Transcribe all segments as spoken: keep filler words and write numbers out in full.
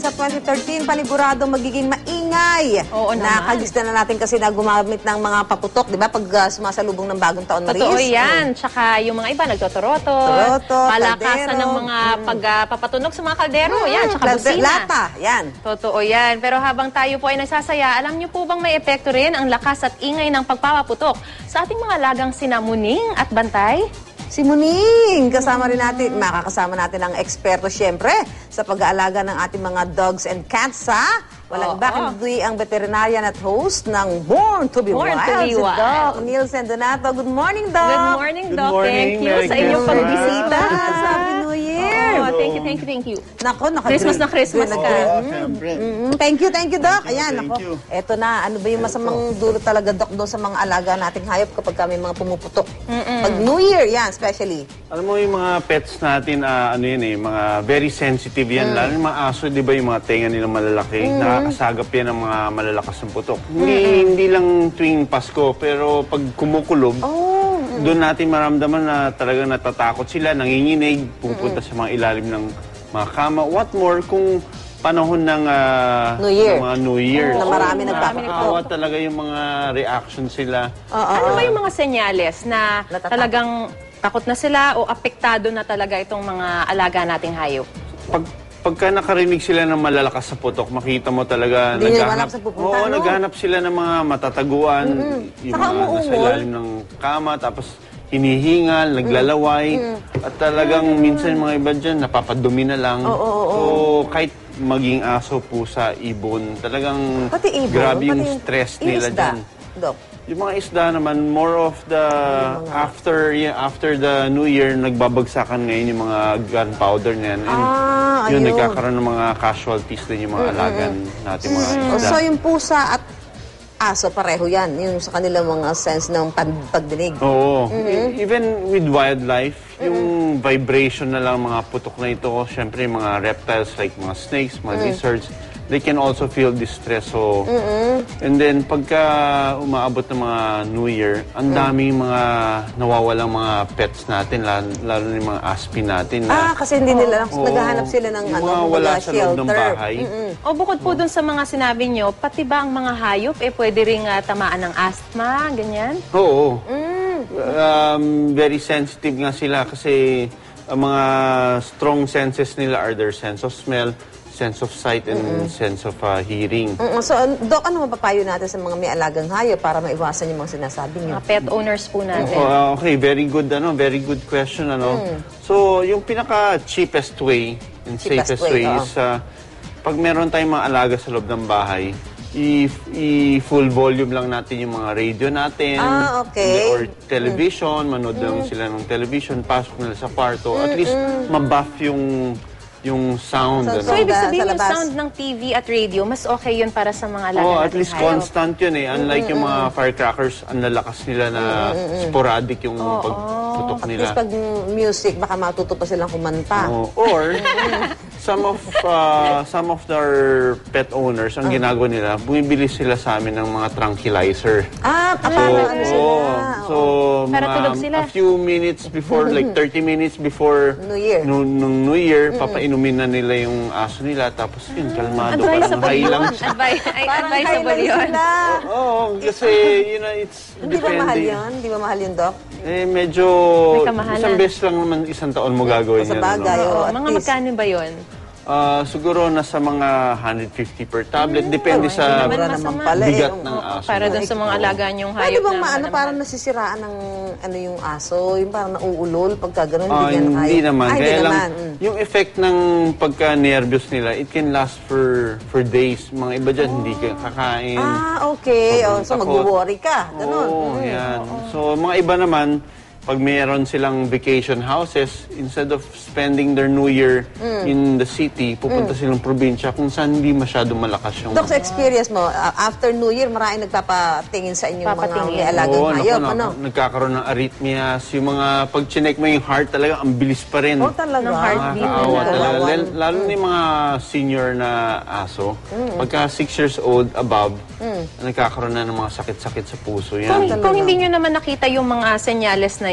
sa twenty thirteen, panigurado magiging maingay. Oo naman. Nakalista na natin kasi na gumamit ng mga paputok, di ba? Pag uh, sumasalubong ng bagong taon, Maris. Totoo yan. Mm. Tsaka yung mga iba, nagtotoroto. Toroto, palakasan ng mga mm. pagpapatunog uh, sa mga kaldero. Mm. Yan, tsaka busina. Lata, yan. Totoo yan. Pero habang tayo po ay nagsasaya, alam niyo po bang may epekto rin ang lakas at ingay ng pagpapaputok sa ating mga lagang sinamuning at bantay? Si Muning, kasama rin natin, makakasama natin ang eksperto siyempre sa pag-aalaga ng ating mga dogs and cats, ha? Walang iba kundi ang veterinarian at host ng Born to be Born Wild, to be si Wild. Doc Nielsen Donato. Good morning, Doc! Good morning, Good Doc. morning. Thank you Merry sa inyong Christmas. pagbisita. Happy New Year! Oh, thank you, thank you, thank you. Nako, naka Christmas na Christmas ka. Oo, siyempre. Mm, thank you, thank you, Doc. Thank you, Ayan, thank nako. you. Eto na, ano ba yung masamang dulo talaga, Doc, doon sa mga alaga nating hayop kapag kami mga pumuputok? Pag New Year, yan, especially. Alam mo yung mga pets natin, ah, ano yun eh, mga very sensitive yan. Lalo yung mga aso, di ba yung mga tenga nilang malalaki, nakakasagap yan ng mga malalakas ng putok. Hindi, hindi lang tuwing Pasko, pero pag kumukulob, Oh, doon natin maramdaman na talagang natatakot sila, nanginginig, pupunta sa mga ilalim ng mga kama. What more kung panahon ng ah, New Year. ng mga New Year. Na marami So, nagpapaputok. nakakaawa talaga yung mga reaction sila. Ano ba yung mga senyales na Natatakot. talagang takot na sila o apektado na talaga itong mga alaga nating hayop? Pag pagka nakarinig sila ng malalakas sa putok, makita mo talaga Hindi nila naghahanap. alam saan pupunta, Oo, no? naghahanap sila ng mga matataguan, yung Saka mga nasa umuungol. ilalim ng kama, tapos hinihingal, naglalaway, at talagang minsan yung mga iba dyan, napapadumi na lang. So, kahit maging aso, pusa, ibon, talagang Pati ibon, grabe yung pati stress yung nila isda, dyan. Doc. Yung mga isda naman, more of the after yeah, after the New Year, nagbabagsakan ngayon yung mga gunpowder niyan. And Ah, yun, ayun. nagkakaroon ng mga casualties din yung mga alagan natin mga Oh, isda. so, yung pusa at aso, pareho yan. Yung sa kanilang mga sense ng pan- pagdinig. Oo. E- Even with wildlife, yung vibration na lang mga putok na ito, syempre yung mga reptiles like mga snakes, mga lizards, they can also feel distress. So, and then pagka umaabot ng mga New Year, ang daming mga nawawalang mga pets natin, lalo, lalo na yung mga aspin natin. Ah, Na, kasi hindi nila, Oo. naghahanap sila ng Yung ano, mga kumbaga, wala sa loob ng shelter. bahay. O bukod po dun sa mga sinabi nyo, pati ba ang mga hayop eh pwede ring ah, tamaan ng asthma, ganyan? Oo. Um, very sensitive nga sila kasi ang mga strong senses nila are their sense of smell, sense of sight, and sense of uh, hearing. Mm, so, Doc, ano mapapayo natin sa mga may alagang hayop para maiwasan yung mga sinasabi niyo? Mga pet owners po natin. Oh, okay, very good ano, very good question ano. So, yung pinaka cheapest way and Cheapest safest way, way, oo. is uh, pag meron tayong mga alaga sa loob ng bahay, i, i full volume lang natin yung mga radio natin. Ah, okay. Or television, manood lang sila ng television, pasok nila sa kwarto. At least mabuff yung yung sound. So, ano. So, ibig Sa sabihin yung labas. sound ng T V at radio, mas okay yun para sa mga alaga Oh, at nating least hayop. constant yun eh. Unlike yung mga firecrackers, ang lalakas nila na sporadic yung pagputok At nila. least pag music, baka matuto pa silang kumanta. Oh, or some of uh, some of their pet owners, ang ginagawa nila, bumibili sila sa amin ng mga tranquilizer. Ah, So, kapag ano sila. oh, so Para mga- tulog sila. a few minutes before, like thirty minutes before New Year. nu- nung New Year, papainumin na nila yung aso nila, tapos yun, kalmado, parang Advisable high lang yun. siya. Advi- ay, Parang advisable kailan yun. sila. Oo, kasi, you know, it's Hindi ba mahal depende. yun? Hindi ba mahal yun, Doc? Eh, medyo, May kamahalan. isang beses lang naman, isang taon mo gagawin Sa yan. bagay, ano? oo. Oo, at mga least. magkano ba yun? Ah, siguro nasa mga one hundred fifty per tablet. Depende sa naman Mura masama. naman pala eh. bigat Oo. ng aso. Para dun sa mga alaga niyong hayop Pwede bang na maano, malamhal. parang nasisiraan ng ano yung aso? Yung parang nauulol pagka ganun, Ah, hindi yan hindi hayop. naman. Ah, hindi Kaya lang, naman. Mm. yung effect ng pagka-nervous nila, it can last for for days. Mga iba dyan, hindi ka kakain. Ah, okay. Oh, Sobrang so, takot. mag-worry ka. Ganun. Oo, yan. So, mga iba naman, pag mayroon silang vacation houses, instead of spending their New Year in the city, pupunta silang probinsya kung saan hindi masyado malakas yung... Doc, sa experience mo, uh, after New Year, maraming nagpapatingin sa inyong mga Papatingin. may alagang Oo, naku, hayop. naku, Ano? nagkakaroon ng arrhythmias. Yung mga, pag chinek mo yung heart talaga, ang bilis pa rin. Oh, talaga? Ng heartbeat. Nakakaawa Kawawa. talaga. Lal- Lalo na yung mga senior na aso. Pagka six years old above, nagkakaroon na ng mga sakit-sakit sa puso. Kung, Yan. kung hindi nyo naman nakita yung mga senyales na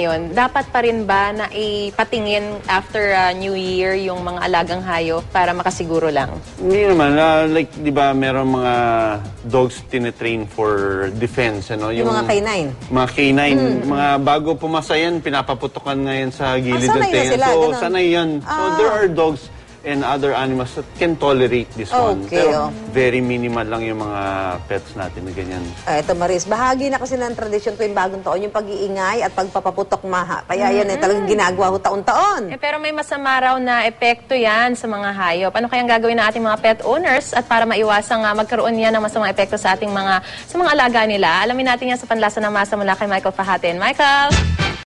ngayon, dapat pa rin ba na ipatingin after uh, New Year yung mga alagang hayop para makasiguro lang? Hindi naman. Uh, like, di ba, meron mga dogs tinitrain for defense, ano? Yung mga canine. Mga canine. Mga bago pumasa yan, pinapaputukan ngayon sa gilid Ah, ng sanay na tenga. sila, So, ganun. sanay yan. So, Ah. there are dogs and other animals that can tolerate this one. Okay, Pero oh. very minimal lang yung mga pets natin na ganyan. Ah, eto Maris, bahagi na kasi ng tradisyon tuwing bagong taon, yung pag-iingay at pagpapaputok maha. Kaya yan eh, talagang ginagawa ho taon-taon. Eh, pero may masama raw na epekto yan sa mga hayop. Ano kayang gagawin ng ating mga pet owners at para maiwasang uh, magkaroon yan ng masamang epekto sa ating mga sa mga alaga nila? Alamin natin yan sa Panlasa ng Masa mula kay Michael Fahatin. Michael!